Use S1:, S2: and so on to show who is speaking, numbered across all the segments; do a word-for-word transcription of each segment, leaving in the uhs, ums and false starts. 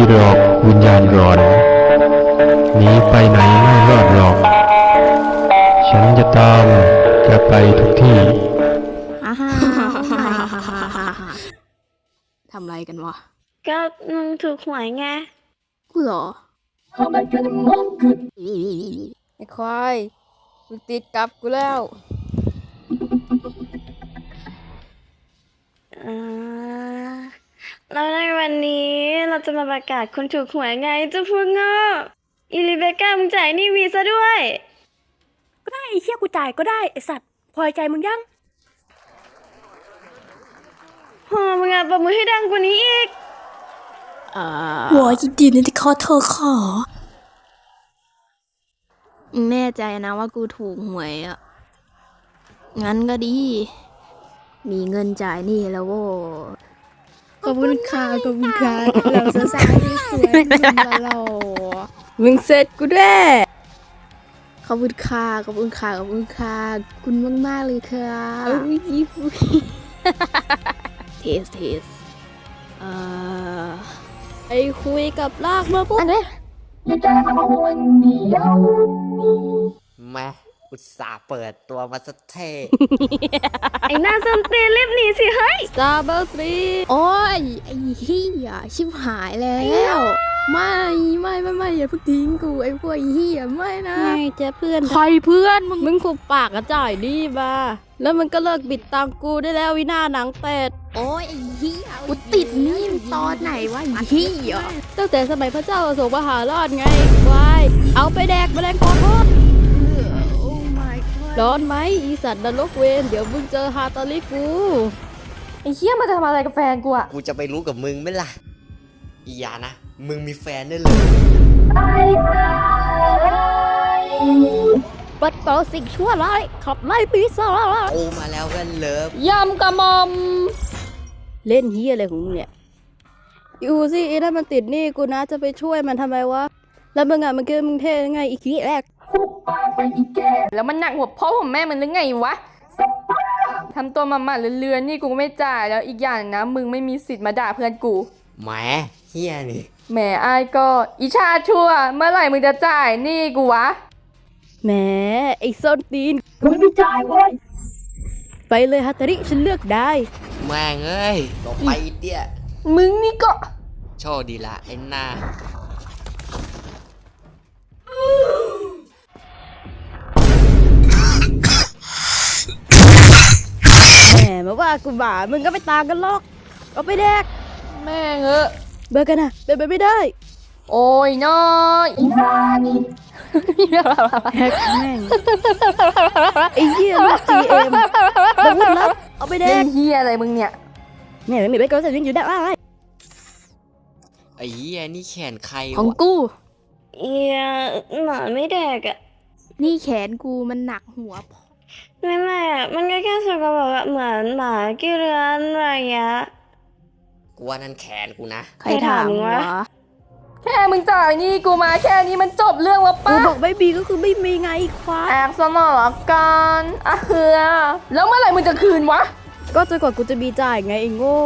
S1: หรอกวิญญาณร้อนหนีไปไหนไม่รอดหรอก ฉันจะตามแกไปทุกที่
S2: ทำไรกันวะ
S3: ก็มึงถูกหวยไง
S2: กูเหรอไอ้ควายมึงติดกับกูแล้ว
S3: แล้วในวันนี้เราจะมาประกาศคนถูกหวยไงเจ้าพวกโง่อีลิเบคก้ามึงจ่ายนี่วีซะด้วย
S4: ก็ได้ไอ้เชี่ยกูจ่ายก็ได้ไอ้สัตว์พอใจมึงยัง
S3: โหมึงอ่ะปรบมือให้ดังกว่านี้อีก
S4: หัวยินดีนะที่ขอเธอขอ
S2: มึงแน่ใจนะว่ากูถูกหวยอ่ะงั้นก็ดีมีเงินจ่ายนี่แล้วโว้
S4: ขอบคุณค่ะขอบคุณค่ะเราสาวๆที่สวยมาเรามึงเสร็จกูด้วย
S2: ขอบคุณค่ะขอบคุณค่ะขอบคุณค่ะคุณมากมากเลยค่ะ
S4: เอ้ย
S2: เทสเทสเอ่อไปคุยกับลากมาปุ๊บอันนี้
S5: แม่อุตส่าห์เปิดตัวมาสะเท่
S3: ไอ้หน้าส้มตีรีบหนีสิเฮ้ย
S2: สตาร์เบอร์ทรีโอ้ยไอ้เหี้ยชิบหายแล้วไม่ไม่ไม่ไม่อย่าเพิ่งทิ้งกูไอ้พวกไอ้เหี้ยไม่นะไม่จะเพื่อนใครเพื่อนมึงมึงขุบปากกระจ่ายดีมาแล้วมันก็เลิกบิดตังกูได้แล้ววินาหนังเป็ดโอ้ยไอ้เหี้ยกูติดนี่ตอนไหนวะไอ้เหี้ยตั้งแต่สมัยพระเจ้าอโศกมหาราชไงวายเอาไปแดกแมลงปอทอดร้อนไหมอีสัตว์นรกเวนเดี๋ยวมึงเจอฮาตาลิกู
S4: ไอ้เชี่ยมาทำอะไรกับแฟนกูอะ
S5: กูจะไปรู้กับมึงไหมล่ะอียานะมึงมีแฟนได้เลย
S2: ปัดเป่าสิ่งชั่วร้ายขับไล่ปีศาจ
S5: โอมาแล้วกันเลิฟ
S4: ยำกระมอม
S2: เล่นเฮียอะไรของมึงเนี่ยอยู่สิไอ้นั่นมันติดนี่กูนะจะไปช่วยมันทำไมวะแล้วมึงอ่ะมันเกิดมึงเท่ไงอีกทีแรก
S4: แล้วมันหนักหัวพ่อผมแม่มันหรือไงวะทำตัวมาหมาเลือนๆนี่กูไม่จ่ายแล้วอีกอย่างนะมึงไม่มีสิทธิ์มาด่าเพื่อนกู
S5: แหมเฮียนี่
S4: แหมไอ้ก็อิชาชั่วเมื่อไหร่มึงจะจ่ายนี่กูวะ
S2: แหมไอ้ส้นตีนกูไม่จ่ายเว้ยไปเลยฮัตตาริฉันเลือกได้
S5: แม่งเอ้ยต่อไปเตี้ย
S4: มึงนี่ก็
S5: โชคดีละไอ้หน้า
S2: แหมมาว่ากูบ่ามึงก็ไม่ต่างกันหรอกเอาไปแดก
S4: แม่งเออ
S2: เบอร์กันนะเป็นไปไม่ได้
S4: โอ้ยน้อยอีฮานี่
S2: แฮกแม่งไอ้เหี้ยลูกจีเอ็มดังนั้นเอาไปแดก
S4: เหี้ยอะไรมึงเนี่ย
S2: แม่ไม่มีใบกระดาษยังอยู่ได้อะไร
S5: ไอ้เหี้ยนี่แขนใครวะ
S2: ของกู
S3: เอียหมาไม่แดกอ่ะ
S2: นี่แขนกูมันหนักหัว
S3: ไม่ไม่อ่ะมันก็แค่สกปรกเหมือนหมากี่เรือนอะไรอย่างเงี้ย
S5: กูว่านั่นแขนกูนะ
S2: ใครถามวะ
S4: แค่มึงจ่ายนี่กูมาแค่นี้มันจบเรื่องแล้วปะ
S2: กูบอกไม่มีก็คือไม่มีไงควาย
S4: แอบสมองกันอ่ะเฮือแล้วเมื่อไหร่มึงจะคืนวะ
S2: ก็จนกว่ากูจะมีจ่ายไงไอ้โง่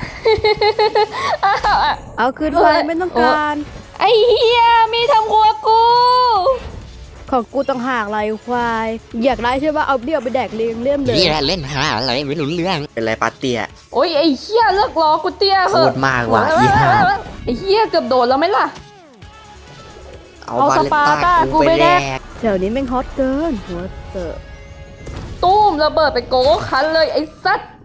S2: เอาคืนไปไม่ต้องการ
S4: ไอ้เหี้ยมีทำครัวกู
S2: ของกูต้องหากไรควายอยากได้ใช่ป่ะเอาเดี่ยวไปแดกเลี้ยงเลี่ยมเลย
S5: นี่แหละเล่นหาอะไรไม่รู้เรื่องเป็นไรปาเตีย
S4: โอ้ยไอ้เหี้ยเลิกล้อกูเตี้ยเห
S5: อะโคตรมากว่ะอีห่า
S4: ไอ้เหี้ยเกือบโดนแล้วไหมล่ะ
S5: เอาสปาต้ากูไปแดก
S2: แถวนี้แม่งฮอตเกินหัวเตอะ
S4: ตุ้มระเบิดไปโก้คันเลยไอ้สัตว์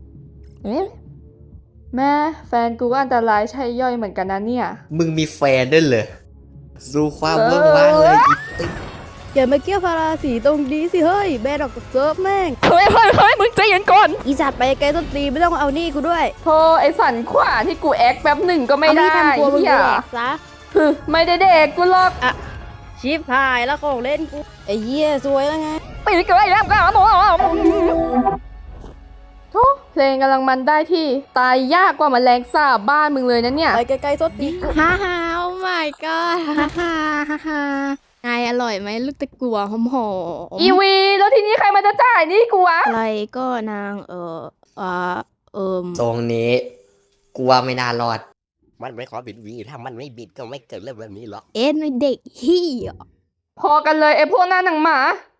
S4: แม่แฟนกูก็อันตรายใช่ย่อยเหมือนกันนะเนี่ย
S5: มึงมีแฟนด้วยเหรอดูความเบิ่งว่างเลยอีติ๊ก
S2: อย่ามาเกี่ยวพาราสีตรงนี้สิเฮ้ยแบนออกจากเซิร์ฟแม่ง
S4: เฮ้ยเฮ้ยเฮ้ยมึงใจเย็นก่อน
S2: อีสัตว์ไปไกลต้นตีไม่ต้องเอานี่กูด้วย
S4: โธ่ไอ้สันขวาที่กูแอคแป๊บหนึ่งก็ไม่ได้
S2: เฮียซะ
S4: ไม่ได้เด็กกูหรอก
S2: อะชิปหายแล้วของเล่นกูไอ้เหี้ยสวยแล้วไง
S4: ไปเกิดแล้วกันโธ่เพลงกำลังมันได้ที่ตายยากกว่าแมลงสาบบ้านมึงเลยนะเนี่ย
S2: ไปไกลๆต้นตีกูฮ่าฮ่าโอ้ my god ฮ่าฮ่าฮ่าฮ่าไงอร่อยไหมลูกตะกัวหอมหอม
S4: อีวีแล้วทีนี้ใครมันจะจ่ายนี่กูวะ
S2: อะไรก็นางเอออ่าเอิม
S5: ตรงนี้กูว่าไม่น่ารอดมันไม่ขอบิดวีถ้ามันไม่บิดก็ไม่เกิดเรื่องแบบนี้หรอก
S2: เอ็นไอ้เด็กเฮีย
S4: พอกันเลยไอ้พวกหน้าหนังหมา